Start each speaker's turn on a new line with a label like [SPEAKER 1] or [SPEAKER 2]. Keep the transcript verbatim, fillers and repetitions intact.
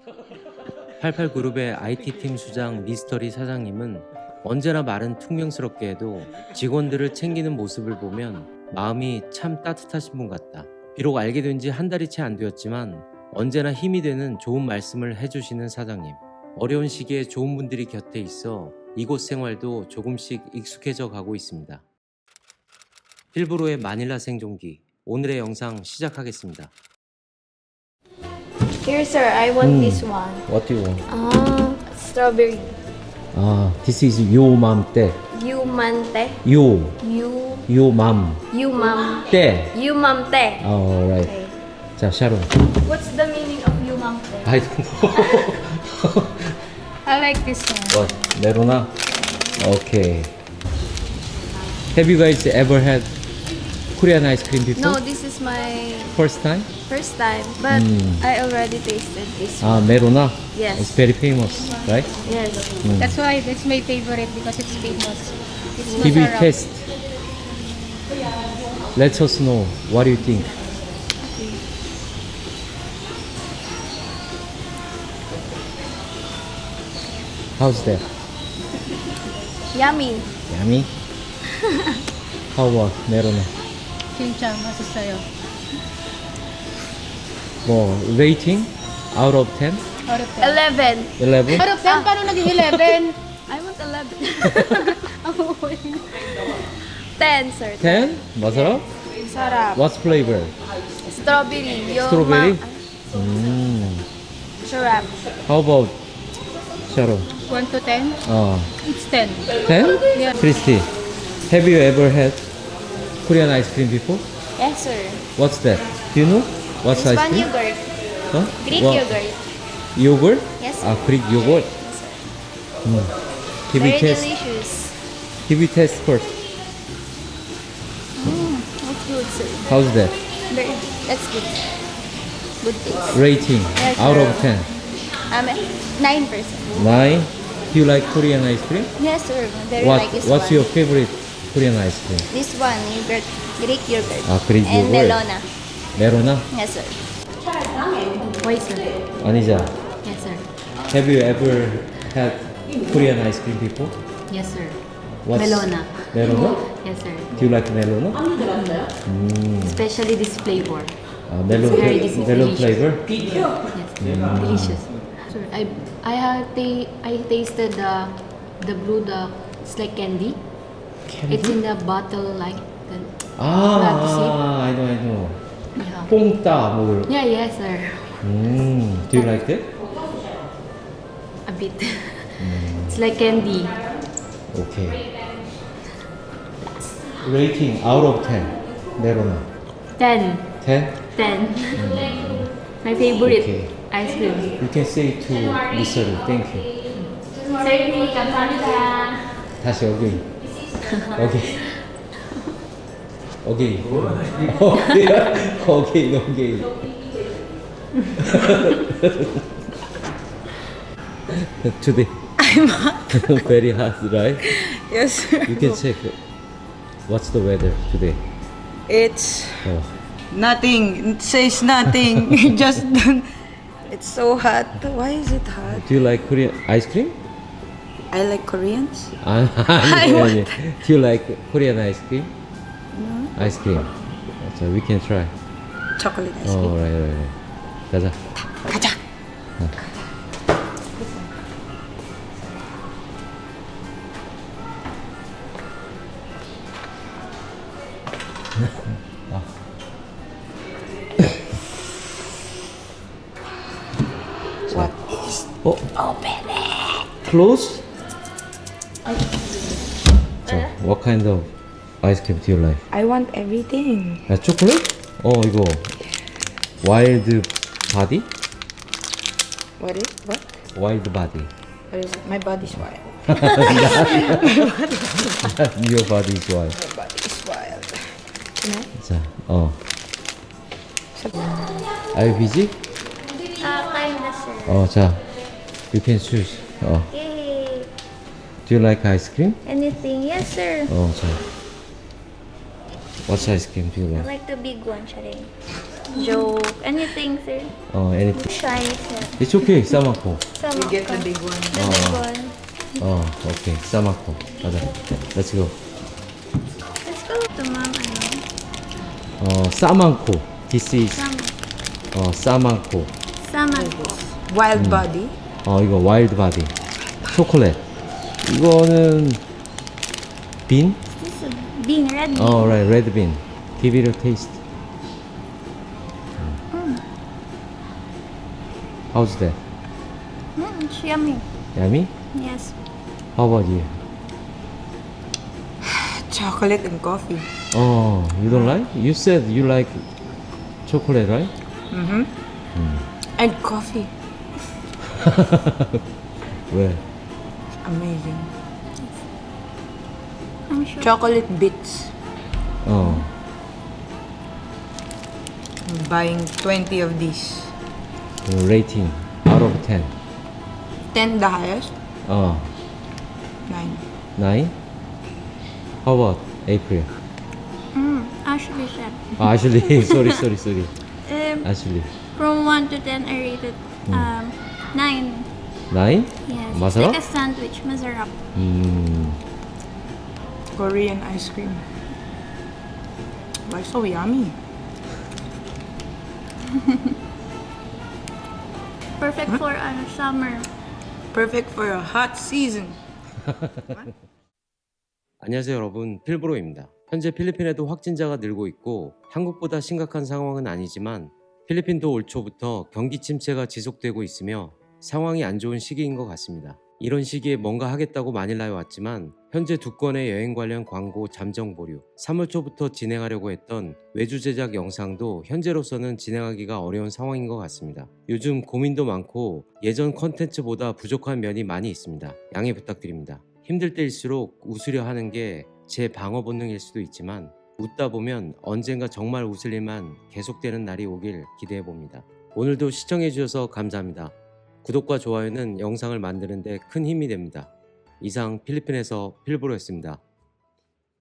[SPEAKER 1] 팔십팔 그룹의 아이티팀 수장 미스터리 사장님은 언제나 말은 퉁명스럽게 해도 직원들을 챙기는 모습을 보면 마음이 참 따뜻하신 분 같다. 비록 알게 된 지 한 달이 채 안 되었지만 언제나 힘이 되는 좋은 말씀을 해주시는 사장님. 어려운 시기에 좋은 분들이 곁에 있어 이곳 생활도 조금씩 익숙해져 가고 있습니다. 필브로의 마닐라 생존기, 오늘의 영상 시작하겠습니다.
[SPEAKER 2] Here, sir, I want
[SPEAKER 1] Mm.
[SPEAKER 2] this one.
[SPEAKER 1] What do you want?
[SPEAKER 2] Ah, strawberry.
[SPEAKER 1] 아, this is your mom 때.
[SPEAKER 2] You man te.
[SPEAKER 1] You,
[SPEAKER 2] You.
[SPEAKER 1] your mom
[SPEAKER 2] You mom.
[SPEAKER 1] 때.
[SPEAKER 2] You mom te.
[SPEAKER 1] Oh, right.
[SPEAKER 2] Okay.
[SPEAKER 1] 자, 샤론.
[SPEAKER 2] What's the meaning of you mom te?
[SPEAKER 1] I don't know.
[SPEAKER 2] I like this one.
[SPEAKER 1] What? 메로나? Okay. Have you guys ever had Korean ice cream before?
[SPEAKER 2] No, this is my
[SPEAKER 1] First time?
[SPEAKER 2] first time, but
[SPEAKER 1] Mm.
[SPEAKER 2] I already tasted this.
[SPEAKER 1] 아, 메로나?
[SPEAKER 2] Yes.
[SPEAKER 1] It's very famous, right?
[SPEAKER 2] Yes.
[SPEAKER 3] That's why that's my favorite because it's famous. It's
[SPEAKER 1] Give it
[SPEAKER 3] masarap.
[SPEAKER 1] taste. Let us know what do you think. How's that?
[SPEAKER 2] Yummy.
[SPEAKER 1] Yummy? How about 메로나?
[SPEAKER 3] 진짜 맛있어요.
[SPEAKER 1] 뭐, rating? Out of ten?
[SPEAKER 3] Out of ten.
[SPEAKER 2] Eleven.
[SPEAKER 1] eleven?
[SPEAKER 3] Out of ten, paano naging eleven?
[SPEAKER 2] I want eleven. Ten, sir.
[SPEAKER 1] ten? masarap?
[SPEAKER 2] Sarap.
[SPEAKER 1] What's flavor?
[SPEAKER 2] Strawberry. Yo
[SPEAKER 1] Strawberry?
[SPEAKER 2] ma-
[SPEAKER 1] Mm.
[SPEAKER 2] Sarap.
[SPEAKER 1] How about Sharon?
[SPEAKER 3] one to ten?
[SPEAKER 1] 어,
[SPEAKER 3] It's ten.
[SPEAKER 1] ten?
[SPEAKER 3] Yeah.
[SPEAKER 1] Christy, have you ever had Korean ice cream before?
[SPEAKER 2] Yes, sir.
[SPEAKER 1] What's that? Do you know? What's ice
[SPEAKER 2] Span
[SPEAKER 1] cream?
[SPEAKER 2] yogurt.
[SPEAKER 1] Huh?
[SPEAKER 2] Greek
[SPEAKER 1] What?
[SPEAKER 2] yogurt.
[SPEAKER 1] Yogurt?
[SPEAKER 2] Yes, sir.
[SPEAKER 1] 아, Greek yogurt.
[SPEAKER 2] Yes, sir.
[SPEAKER 1] 음. Give
[SPEAKER 2] Very
[SPEAKER 1] it taste.
[SPEAKER 2] delicious.
[SPEAKER 1] Give it taste first.
[SPEAKER 2] That's good, sir.
[SPEAKER 1] How's that?
[SPEAKER 2] Very, that's good. Good taste.
[SPEAKER 1] Rating
[SPEAKER 2] Yes,
[SPEAKER 1] out
[SPEAKER 2] sir.
[SPEAKER 1] of ten.
[SPEAKER 2] Um, nine percent.
[SPEAKER 1] nine. Do you like Korean ice cream?
[SPEAKER 2] Yes, sir. Very
[SPEAKER 1] What?
[SPEAKER 2] like this
[SPEAKER 1] What's
[SPEAKER 2] one.
[SPEAKER 1] your favorite Korean ice cream?
[SPEAKER 2] This one, yogurt, Greek yogurt.
[SPEAKER 1] Ah, Greek
[SPEAKER 2] and
[SPEAKER 1] yogurt.
[SPEAKER 2] Melona.
[SPEAKER 1] 메로나?
[SPEAKER 2] Yes, sir.
[SPEAKER 3] Why, sir?
[SPEAKER 1] 아니자.
[SPEAKER 3] Yes, sir.
[SPEAKER 1] Have you ever had Korean ice cream before?
[SPEAKER 3] Yes, sir.
[SPEAKER 1] What's
[SPEAKER 3] Melona.
[SPEAKER 1] Melona?
[SPEAKER 3] Yes, sir.
[SPEAKER 1] Do you like melona?
[SPEAKER 3] Especially this flavor.
[SPEAKER 1] 아, melon,
[SPEAKER 3] Very dis-
[SPEAKER 1] melon
[SPEAKER 3] delicious.
[SPEAKER 1] flavor?
[SPEAKER 3] Yes, delicious. Sir, I I have ta- I tasted the the blue the it's like candy. It's in the bottle like the,
[SPEAKER 1] 아,
[SPEAKER 3] have to see.
[SPEAKER 1] 아, I know, I know.
[SPEAKER 3] yeah.
[SPEAKER 1] 뽕따 뭐.
[SPEAKER 3] Yeah, yes, sir.
[SPEAKER 1] 음, do you like that?
[SPEAKER 3] A bit. It's like candy.
[SPEAKER 1] Okay. Rating out of ten. melona.
[SPEAKER 3] Ten.
[SPEAKER 1] ten?
[SPEAKER 3] Ten. My favorite
[SPEAKER 1] Okay.
[SPEAKER 3] ice cream.
[SPEAKER 1] You can say to 미스터 thank you.
[SPEAKER 3] Sir, 감사합니다.
[SPEAKER 1] 다시 again. Okay. Okay. Okay. Okay. Today. I'm hot. Very hot, right?
[SPEAKER 4] Yes, sir.
[SPEAKER 1] You can check. What's the weather today?
[SPEAKER 4] It's
[SPEAKER 1] Oh.
[SPEAKER 4] nothing. It says nothing. Just it's so hot. Why is it hot?
[SPEAKER 1] Do you like Korean ice cream?
[SPEAKER 4] I like Koreans.
[SPEAKER 1] 아, 아니, 아니. Do you like Korean ice cream? Ice cream. So we can try.
[SPEAKER 4] Chocolate ice
[SPEAKER 1] Oh,
[SPEAKER 4] cream.
[SPEAKER 1] right, right, right. 가자.
[SPEAKER 4] 가자. What is
[SPEAKER 1] 어?
[SPEAKER 4] open it?
[SPEAKER 1] Close? 자, what kind of ice cream do you like?
[SPEAKER 4] I want everything.
[SPEAKER 1] 아, 초콜릿? 어, 이거 와일드 바디?
[SPEAKER 4] What is what?
[SPEAKER 1] 와일드 바디.
[SPEAKER 4] What is it? My body's wild.
[SPEAKER 1] Your body is wild.
[SPEAKER 4] My body is wild. Can I?
[SPEAKER 1] 자, 어. Are you busy?
[SPEAKER 2] Ah, kinda, sir.
[SPEAKER 1] 어, 자, you can choose. 어.
[SPEAKER 2] Yay.
[SPEAKER 1] Do you like ice cream?
[SPEAKER 2] Anything? Yes, sir.
[SPEAKER 1] 어, 자. What ice cream do you
[SPEAKER 2] I
[SPEAKER 1] like?
[SPEAKER 2] like the big one, Charing. joke, anything, sir.
[SPEAKER 1] 어, anything.
[SPEAKER 2] Shy, sir.
[SPEAKER 1] It's okay, 싸먹고.
[SPEAKER 2] Sama
[SPEAKER 4] You get
[SPEAKER 2] ka.
[SPEAKER 4] the big one.
[SPEAKER 2] The big one.
[SPEAKER 1] 어, 오케이, 싸먹고. 가자. Let's go.
[SPEAKER 2] Let's go to mom, ano.
[SPEAKER 1] 어, 싸먹고. This is
[SPEAKER 2] Sama.
[SPEAKER 1] 어, 싸먹고.
[SPEAKER 2] Sama ko.
[SPEAKER 4] Wild body.
[SPEAKER 1] 어, 이거 와일드 바디. 초콜릿. 이거는 빈?
[SPEAKER 2] This is a bean, red bean.
[SPEAKER 1] 어, right, red bean. Give it a taste. How's that?
[SPEAKER 2] Mm, it's yummy.
[SPEAKER 1] Yummy?
[SPEAKER 2] Yes.
[SPEAKER 1] How about you?
[SPEAKER 4] Chocolate and coffee.
[SPEAKER 1] Oh, you don't like? You said you like chocolate, right?
[SPEAKER 4] Mm-hmm. And coffee.
[SPEAKER 1] 왜?
[SPEAKER 4] Amazing.
[SPEAKER 2] I'm sure.
[SPEAKER 4] Chocolate bits.
[SPEAKER 1] 어,
[SPEAKER 4] I'm buying twenty of these.
[SPEAKER 1] 그 rating out of ten.
[SPEAKER 4] ten the highest.
[SPEAKER 1] 어,
[SPEAKER 4] nine.
[SPEAKER 1] nine? How about April?
[SPEAKER 2] Mm, Ashley said.
[SPEAKER 1] 아, Ashley, sorry, sorry, sorry.
[SPEAKER 2] Um,
[SPEAKER 1] Ashley.
[SPEAKER 2] from one to ten, I rated um, nine.
[SPEAKER 1] nine?
[SPEAKER 2] Yes. It's
[SPEAKER 1] masarap?
[SPEAKER 2] like a sandwich. Masarap.
[SPEAKER 1] 음,
[SPEAKER 4] Korean ice cream. Why so yummy?
[SPEAKER 2] Perfect for uh, summer.
[SPEAKER 4] Perfect for a hot season.
[SPEAKER 1] 안녕하세요 여러분, 필브로입니다. 현재 필리핀에도 확진자가 늘고 있고 한국보다 심각한 상황은 아니지만 필리핀도 올 초부터 경기 침체가 지속되고 있으며 상황이 안 좋은 시기인 것 같습니다. 이런 시기에 뭔가 하겠다고 마닐라에 왔지만 현재 두 건의 여행 관련 광고 잠정 보류, 삼월 초부터 진행하려고 했던 외주 제작 영상도 현재로서는 진행하기가 어려운 상황인 것 같습니다. 요즘 고민도 많고 예전 컨텐츠보다 부족한 면이 많이 있습니다. 양해 부탁드립니다. 힘들 때일수록 웃으려 하는 게 제 방어 본능일 수도 있지만 웃다 보면 언젠가 정말 웃을 일만 계속되는 날이 오길 기대해 봅니다. 오늘도 시청해 주셔서 감사합니다. 구독과 좋아요는 영상을 만드는 데 큰 힘이 됩니다. 이상 필리핀에서 필브로였습니다.